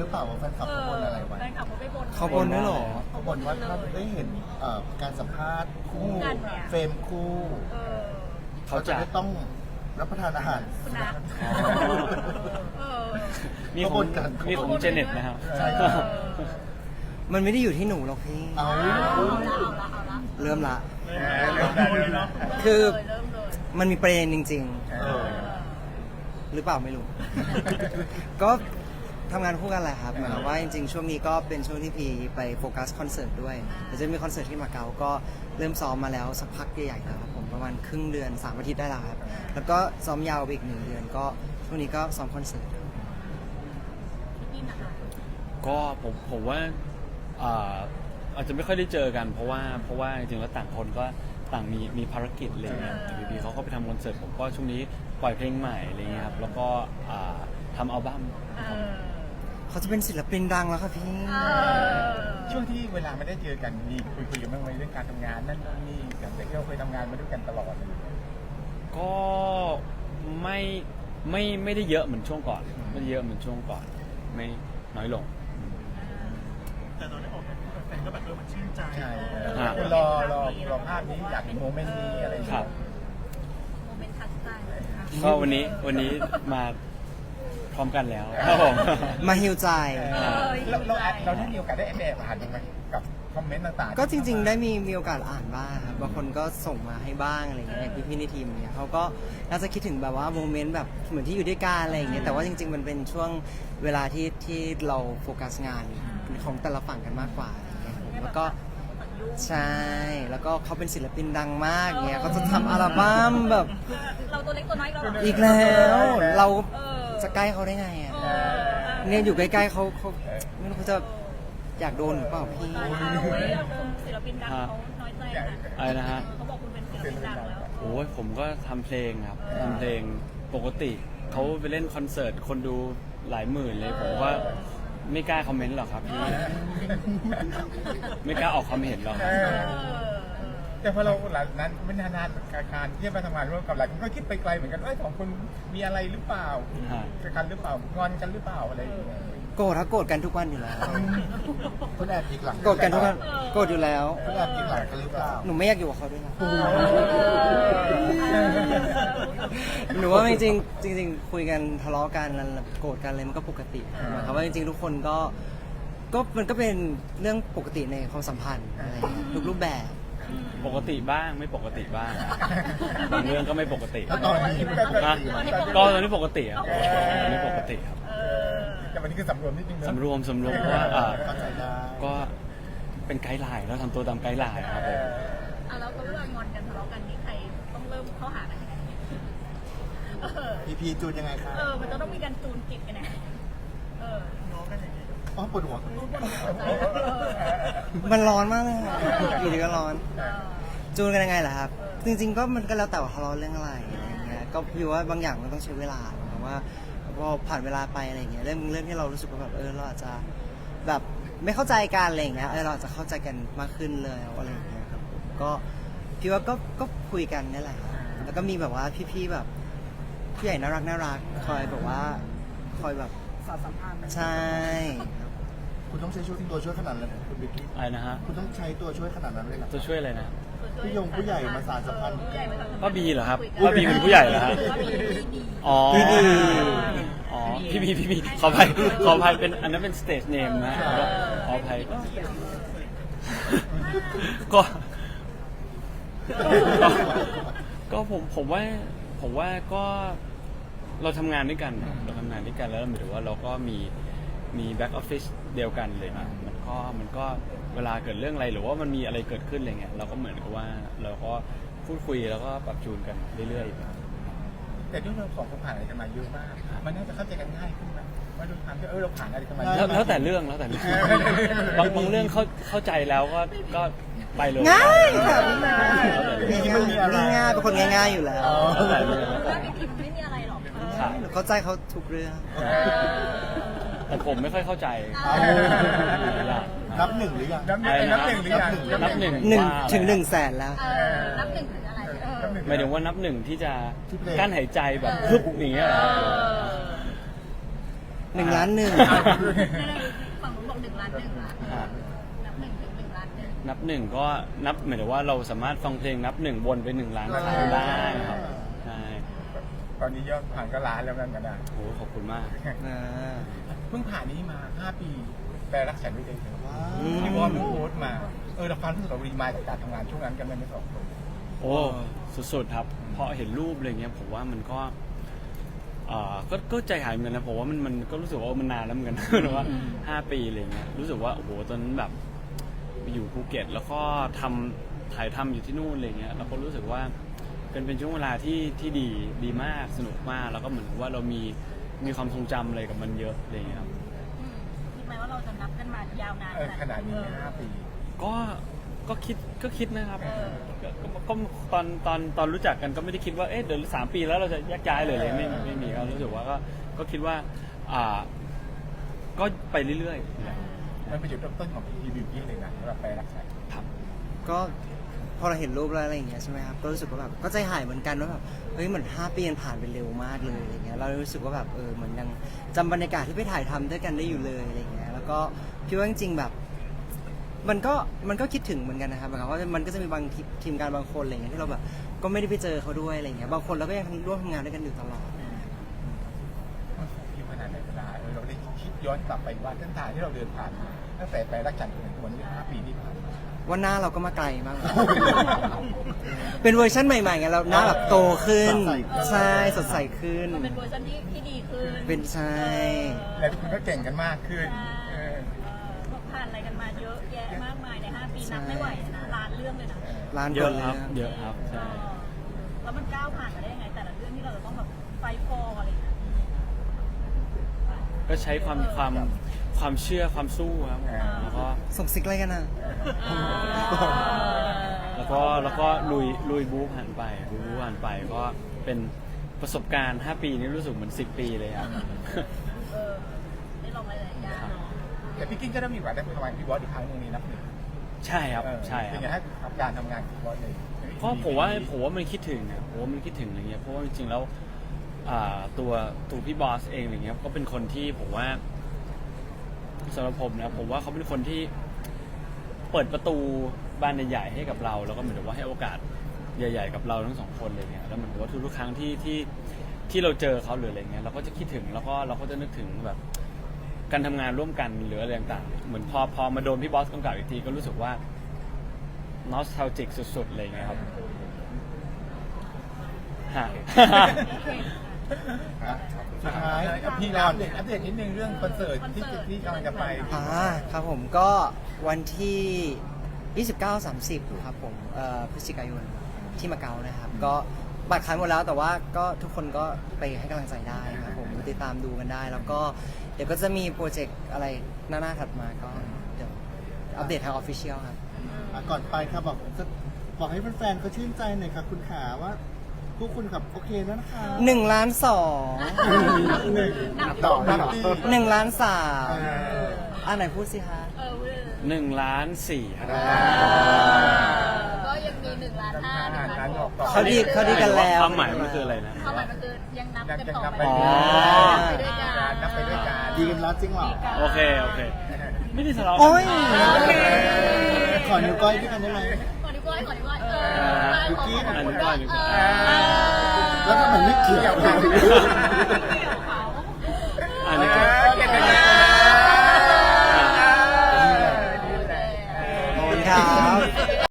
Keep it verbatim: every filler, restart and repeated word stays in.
หรือเปล่าว่าแฟนคลับเขาบนอะไรไว้แฟนคลับเขาไปบนเขาบนด้วยเหรอเขาบนว่าถ้าได้เห็นเอ่อการสัมภาษณ์คู่เฟรมคู่เออเขาจะไม่ต้องรับประทานอาหารคุณนะเออมีของมีของเจเน็ตนะครับใช่มันไม่ได้อยู่ที่หนูหรอกพี่เอาเอาละเอาละเอาละเริ่มละเริ่มได้เลยเนาะคือเริ่มเลยมันมีประเด็นจริงเออๆ หรือเปล่าไม่รู้ ก็ทำงานคู่กันแหละครับหมายความว่าจริงๆ ช่วงนี้ก็เป็นช่วงที่พีไปโฟกัสคอนเสิร์ตด้วยเดี๋ยวจะมีคอนเสิร์ตที่มาเก๊าก็เริ่มซ้อมมาแล้วสักพักใหญ่ๆแล้วครับผมประมาณครึ่งเดือนสามอาทิตย์ได้แล้วครับแล้วก็ซ้อมยาวไปอีกหนึ่งเดือนก็ช่วงนี้ก็ซ้อมคอนเสิร์ตนี่นะคะก็ผมผมว่าอ่าอาจจะไม่ค่อยได้เจอกันเพราะว่าเพราะว่าจริงๆแล้วต่างคนก็ต่างมีมีภารกิจอะไรเงี้ยอยู่ดีๆเขาก็ไปทำคอนเสิร์ตผมก็ช่วงนี้ปล่อยเพลงใหม่อะไรเงี้ยครับแล้วก็อ่าทำอัลบั้มเออเขาจะเป็นศิลปินดังแล้วครับพี่เออช่วงที่เวลาไม่ได้เจอกันมีคุยคุยกันบ้างไหมเรื่องการทำงานนั่นนู่นนี่อย่างที่เราเคยทำงานมาด้วยกันตลอดเลยก็ไม่ไม่ไม่ได้เยอะเหมือนช่วงก่อนไม่ได้เยอะเหมือนช่วงก่อนไม่น้อยลงแต่ตอนได้ออกกับแฟนก็แบบเออมันชื่นใจใช่ครับคุณรอรอรอภาพนี้อยากเห็นโมเมนต์นี้อะไรอย่างครัเงี้บโมเมนต์ทัชใจก็วันนี้วันนี้มาพร้อมกันแล้วครับผมมาฮิวใจเราเราเราได้มีโอกาสได้แอบแอบอ่านบ้างไหมกับคอมเมนต์ต่างๆก็จริงๆ ได้มีมีโอกาสอ่านบ้างครับบางคนก็ส่งมาให้บ้างอะไรเงี้ยอย่างพี่ๆในทีมเนี่ยเขาก็น่าจะคิดถึงแบบว่าโมเมนต์แบบเหมือนที่อยู่ด้วยกันอะไรอย่างเงี้ยแต่ว่าจริงๆ มันเป็นช่วงเวลาที่ที่เราโฟกัสงานของแต่ละฝั่งกันมากกว่าอะไรเงี้ยผมแล้วก็ใช่แล้วก็เขาเป็นศิลปินดังมากเงี้ยเขาจะทำอัลบั้มแบบเราตัวเล็กตัวน้อยเราอีกแล้วเราเออจะใกล้เขาได้ไงอ่ะเออเนี่ยอยู่ใกล้ๆเขาเขาไม่รู้เขาจะอยากโดนหรือเปล่าพี่ตายเอาไว้คุณศิลปินดังเขาน้อยใจนะอะไรนะฮะเขาบอกคุณเป็นศิลปินดังแล้วโอ้ยผมก็ทำเพลงครับทำเพลงปกติเขาไปเล่นคอนเสิร์ตคนดูหลายหมื่นเลยผมว่าไม่กล้าคอมเมนต์หรอกครับพี่ไม่กล้าออกความเห็นหรอกเออแต่พอเราหลังนั้นไม่นานๆการการที่มาทำงานร่วมกับหลายคนก็คิดไปไกลเหมือนกันว่าสองคนมีอะไรหรือเปล่าเจอกันหรือเปล่างอนกันหรือเปล่าอะไรอย่างเงี้ยโกรธถ้าโกรธกันทุกวันอยู่แล้วคุณแอบอีกหลังโกรธกันทุกวันโกรธอยู่แล้วคุณแอบอีกหลังกันหรือเปล่าหนูไม่อยากอยู่กับเขาด้วยนะหนูว่าจริงๆจริงๆคุยกันทะเลาะกันโกรธกันอะไรมันก็ปกติหมายความว่าจริงๆทุกคนก็ก็มันก็เป็นเรื่องปกติในความสัมพันธ์อะไรอย่างเงี้ยทุกรูปแบบปกติบ้างไม่ปกติบ้างบางเรื่องก็ไม่ปกติแล้วตอนนี้นะก็ตอนนี้ปกติครับตอนนี้ปกติครับแต่วันนี้คือสำรวมนิดนึงนะสำรวมสำรวมเพราะว่าอ่าเข้าใจได้ก็เป็นไกด์ไลน์แล้วทำตัวตามไกด์ไลน์ครับผมอ่ะแล้วเวลางอนกันทะเลาะกันนี่ใครต้องเริ่มเข้าหากันยังไงเออพีพีจูนยังไงคะเออ มันจะต้องมีการจูนจิตกันนะเอออ๋อปวดหัวรู้บนหัวใจมันร้อนมากเลยค่ะอยู่ดีก็ร้อนเออจูนกันยังไงล่ะครับ จริงๆก็มันก็แล้วแต่ว่าทะเลาะเรื่องอะไรอะไรอย่างเงี้ยก็พี่ว่าบางอย่างมันต้องใช้เวลาแต่ว่าพอผ่านเวลาไปอะไรอย่างเงี้ยเรื่องเรื่องที่เรารู้สึกว่าแบบเออเราอาจจะแบบไม่เข้าใจกันอะไรอย่างเงี้ยเออเราอาจจะเข้าใจกันมากขึ้นเลยอะไรอย่างเงี้ยครับผมก็พี่ว่าก็ก็คุยกันนี่แหละครับแล้วก็มีแบบว่าพี่ๆแบบผู้ใหญ่น่ารักน่ารักคอยแบบว่าคอยแบบสอดสัมพันธ์ใช่คุณต้องใช้ช่วยตัวช่วยขนาดนั้นเลยคุณบิ๊กกี้อะไรนะฮะคุณต้องใช้ตัวช่วยขนาดนั้นเลยเหรอจะช่วยอะไรนะผู้ยงผู้ใหญ่มาสานสัมพันธ์ป้าบีเหรอครับป้าบีเป็นผู้ใหญ่เหรอฮะอ๋อพี่บีอ๋อพี่บีพี่บีขออภัยขออภัยเป็นอันนั้นเป็นสเตจเนมนะขออภัยก็ ก็ก็ผมผมว่าผมว่าก็เราทำงานด้วยกันเราทำงานด้วยกันแล้วหมายถึงว่าเราก็มีมีแบ็กออฟฟิศเดียวกันเลยนะมันก็มันก็เวลาเกิดเรื่องอะไรหรือว่ามันมีอะไรเกิดขึ้นอะไรเงี้ยเราก็เหมือนกับว่าเราก็พูดคุยแล้วก็ปรับจูนกันเรื่อยๆแต่ด้วยเราสองคนผ่านอะไรกันมาเยอะมาก มันน่าจะเข้าใจกันง่ายขึ้นไหมว่าด้วยความที่เออเราผ่านอะไรกันมาเยแล้วอะแล้วแต่เรื่องแล้วแต่เรื่องบางบางเรื่องเข้าเข้าใจแล้วก็ก็ไปเลยง่ายค่ะแล้วแต่เรื่องง่ายๆเป็นคนง่ายๆอยู่แล้วแล้วแต่เรื่องถ้าไม่ผิดไม่มีอะไรหรอกครับเข้าใจเขาทุกเรื่องแต่ผมไม่ค่อยเข้าใจนับหนึ่งหรือยังนับหนึ่งนับหนึ่งหรือยังนับหนึ่งหนึ่งว่าถึงหนึ่งแสนแล้วเออนับหนึ่งถึงอะไรเออนับหนึ่งหมายถึงว่านับหนึ่งที่จะกั้นหายใจแบบพึบอย่างเงี้ยเหรอเออหนึ่งล้านหนึ่งฝั่งผมบอกหนึ่งล้านหนึ่งละอ่านับหนึ่งถึงหนึ่งล้านหนึ่งนับหนึ่งก็นับหมายถึงว่าเราสามารถฟังเพลงนับหนึ่งวนไปหนึ่งล้านครั้งได้ครับใช่ตอนนี้ยอดผ่านก็ล้านแล้วนั่นกันนะโอ้ขอบคุณมากอ่าเพิ่งผ่านนี้มาห้าปีแปลรักฉันด้วยใจเธออืมพี่บอลเพิ่งโพสต์มาเออเราฟังรู้สึกเรารีมายกับการทำงานช่วงนั้นกันไหมไม่สองคนโอ้สุดๆครับพอเห็นรูปอะไรเงี้ยผมว่ามันก็เอ่อก็ก็ใจหายเหมือนกันนะผมว่ามันมันก็รู้สึกว่ามันนานแล้วเหมือนกัน หรือว่าห้าปีอะไรเงี้ยรู้สึกว่าโอ้โหตอนนั้นแบบไปอยู่ภูเก็ต แล้วก็ทำถ่ายทำอยู่ที่นู่นอะไรเงี้ยเราก็รู้สึกว่าเป็นเป็นช่วงเวลาที่ที่ดีดีมากสนุกมากแล้วก็เหมือนกับว่าเรามีมีความทรงจำอะไรกับมันเยอะอะไรเงี้ยครับอืมคิดไหมว่าเราจะนับกันมายาวนานเออขนาดนี้ห้าปีก็ก็คิดก็คิดนะครับเออก็ก็ก็ตอนตอนตอนรู้จักกันก็ไม่ได้คิดว่าเอ๊ะเดี๋ยวสามปีแล้วเราจะแยกย้ายเลยเลยไม่ไม่มีก็รู้สึกว่าก็ก็คิดว่าอ่าก็ไปเรื่อยๆมันเป็นจุดเริ่มต้นของพีทีบิวตี้เลยนะสำหรับแปลรักฉันครับก็พอเราเห็นรูปแล้วอะไรอย่างเงี้ยใช่ไหมครับก็รู้สึกว่าแบบก็ใจหายเหมือนกันว่าแบบเฮ้ยเหมือนห้าปีมันผ่านไปเร็วมากเลยอะไรเงี้ยเรารู้สึกว่าแบบเออเหมือนยังจำบรรยากาศที่ไปถ่ายทำด้วยกันได้อยู่เลยอะไรเงี้ยแล้วก็พี่ว่าจริงๆแบบ มันก็มันก็คิดถึงเหมือนกันนะครับหมายความว่ามันก็จะมีบางทีทีมงานบางคนอะไรเงี้ยที่เราแบบก็ไม่ได้ไปเจอเขาด้วยอะไรเงี้ยบางคนเราก็ยังร่วมทำงานด้วยกันอยู่ตลอดมันโฟกัสขนาดไหนเวลาเออเราได้คิดย้อนกลับไปว่าเส้นทางที่เราเดินผ่านมาตั้งแต่แปลรักฉันจนถึงวันนี้ห้าปีที่ผ่านมาว่าหน้าเราก็มาไกลมาก เป็นเวอร์ชันใหม่ๆไงเราหน้าแบบโตขึ้น ใช่สดใสขึ้นมันเป็นเวอร์ชันที่ที่ดีขึ้นเป็นใช่แล้วทุกคนก็เก่งกันมากขึ้นใช่เออเออผ่านอะไรกันมาเยอะแยะมากมายในห้าปีนับไม่ไหวนะล้านเรื่องเลยนะร้านเยคอะนเลครับยเยอะครับใช่แล้วมันก้าวผ่านมาได้ยังไงแต่ละเรื่องที่เราจะต้องแบบไฟฟอร์อะไรอย่างเงี้ยก็ใช้ความความความเชื่อความสู้ครับแล้วก็ส่งซิกอะไรกันอ่ะแล้วก็แล้วก็ลุยลุยบู๊ผ่านไปบู๊ผ่านไปก็เป็นประสบการณ์ห้าปีนี้รู้สึกเหมือนสิบปีเลยครับเออได้ลองอะไรหลายอย่างแต่พี่กิ้งก็ได้มีโอกาสได้ไปทำงานกับพี่บอสอีกครั้งหนึงนี่นับหนึ่งใช่ครับเออใช่คเป็รันบไงฮะกับการทำงานกับพี่บอสเลยเพราะผมว่าผมว่ามันคิดถึงอะผมว่ามันคิดถึงอะไรเงี้ยเพราะว่าจริงๆแล้วอ่าตัวตัวพี่บอสเองอะไรเงี้ยก็เป็นคนที่ผมว่าสำหรับผมนะผมว่าเขาเป็นคนที่เปิดประตูบานใหญ่ๆให้กับเราแล้วก็เหมือนกับว่าให้โอกาสใหญ่ ๆ กับเราทั้งสองคนเลยเนี่ยแล้วเหมือนกับว่าทุกๆครั้งที่ที่ที่เราเจอเขาหรืออะไรเงี้ยเราก็จะคิดถึงแล้วก็เราก็จะนึกถึงแบบการทำงานร่วมกันหรืออะไรต่างๆเหมือนพอพอมาโดนพี่บอสกำกับอีกทีก็รู้สึกว่า nostalgic สุดๆเลยไงครับฮะสุดท้ายพี่เราอัปเดตอัปเดตนิดนึงเรื่องคอนเสิร์ตที่ที่กำลังจะไปอ่าครับผมก็วันที่ ยี่สิบเก้า สามสิบ ครับผมเอ่อพฤศจิกายนที่มาเก๊านะครับ ก็บัตรขายหมดแล้วแต่ว่าก็ทุกคนก็ไปให้กำลังใจได้ครับผมติดตามดูกันได้ แล้วก็เดี๋ยวก็จะมีโปรเจกต์อะไรหน้าๆถัดมาก็เดี๋ยวอัปเดตทางออฟฟิเชียลครับอ่ะก่อนไปครับบอกจะบอกให้แฟนๆเขาชื่นใจหน่อยครับคุณขาว่าพวกคุณขับโอเคแล้วนะคะหนึ่งล้านสองหนึ่งต่อนับที่หนึ่งล้านสามเอออ่าไหนพูดสิคะเออเว้ยหนึ่งล้านสี่ครับก็ยังมีหนึ่งล้านห้าหนึ่งล้านหกเขาดีเขาดีกันแล้วความหมายมันคืออะไรนะความหมายมันคือยังนับกันต่อไปอ๋อไปด้วยกันนับไปด้วยกันดีกันแล้วจริงเหรอโอเค โอเค ไม่ได้ทะเลาะกัโอ้ยโอเคขอนิ้วก้อยด้วยกันได้ไหมขอนิ้วก้อยขอนิ้วก้อยเออนิ้วกี้ขอนิ้วก้อยเออแล้วก็เหมือนไม่เกี่ยวกันเกี่ยวเขาอันนี้ก็เก่งกันนะขอบคุณครับ